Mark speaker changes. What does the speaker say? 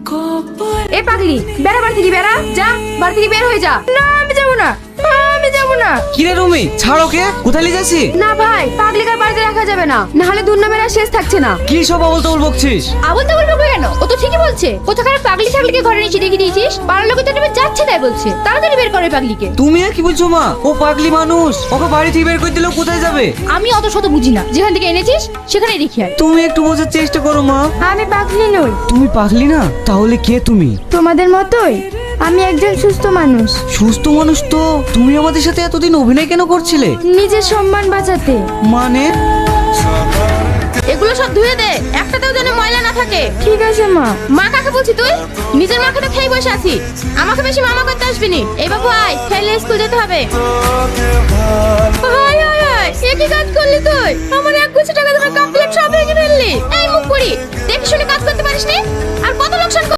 Speaker 1: এ পাগলি বেড়া, বাড়ি থেকে বেড়া, যা বাড়ি থেকে বের হয়ে যা। না আমি যাবো না, আমি যাবো না।
Speaker 2: কিরে রুমি, ছাড় ওকে, কোথায় নিয়ে যাচ্ছি?
Speaker 1: না ভাই, পাগলিকে আর বাড়িতে রাখা যাবে না, নাহলে দুর্নামের আর শেষ থাকছে না।
Speaker 2: কি সব আবল তাবল বকছিস?
Speaker 1: আবল তাবল বলবো কেন? ও তো ঠিকই বলছে। কোথাকার পাগলি ছাগলিকে ঘরে নিচে রেখে দিয়েছিস, পাড়ার লোকে তো নেমে যাচ্ছে তাই বলছে। তাড়াতাড়ি বের করে পাগলিকে।
Speaker 2: তুমি আর কি বলছো মা? ও পাগলি মানুষ, ওকে বাড়ি থেকে বের করে দিলেও কোথায় যাবে?
Speaker 1: আমি অত শত বুঝি না, যেখান থেকে এনেছিস সেখানে রেখে আয়।
Speaker 2: তুমি একটু বোঝার চেষ্টা করো মা।
Speaker 3: আমি পাগলি নই,
Speaker 2: তুমি পাগলি না? তাহলে কে তুমি?
Speaker 3: তোমাদের মতোই আমি একজন সুস্থ মানুষ।
Speaker 2: সুস্থ মানুষ তো তুমি আমাদের সাথে এতদিন অভিনয় কেন করছিলে?
Speaker 3: নিজের সম্মান বাঁচাতে।
Speaker 2: মানে?
Speaker 1: এগুলো সব ধুয়ে দে, একটাতেও যেন ময়লা না থাকে।
Speaker 3: ঠিক আছে মা।
Speaker 1: মা কাকে বলছি তুই? নিজের মাকে তো খেয়ে বসে আছি, আমাকে বেশি মামা করতে আসবি নি। এই বাবু আয়, খেলে স্কুল যেতে হবে। হায় হায় হায়, এ কি কাজ করলি তুই? আমার 1 কোটি টাকা তোমার কমপ্লিট সব ভেঙে ফেললি। এই মুখ পুরি, দেখি শুনে কাজ করতে পারিস নি? আর কত লোকসান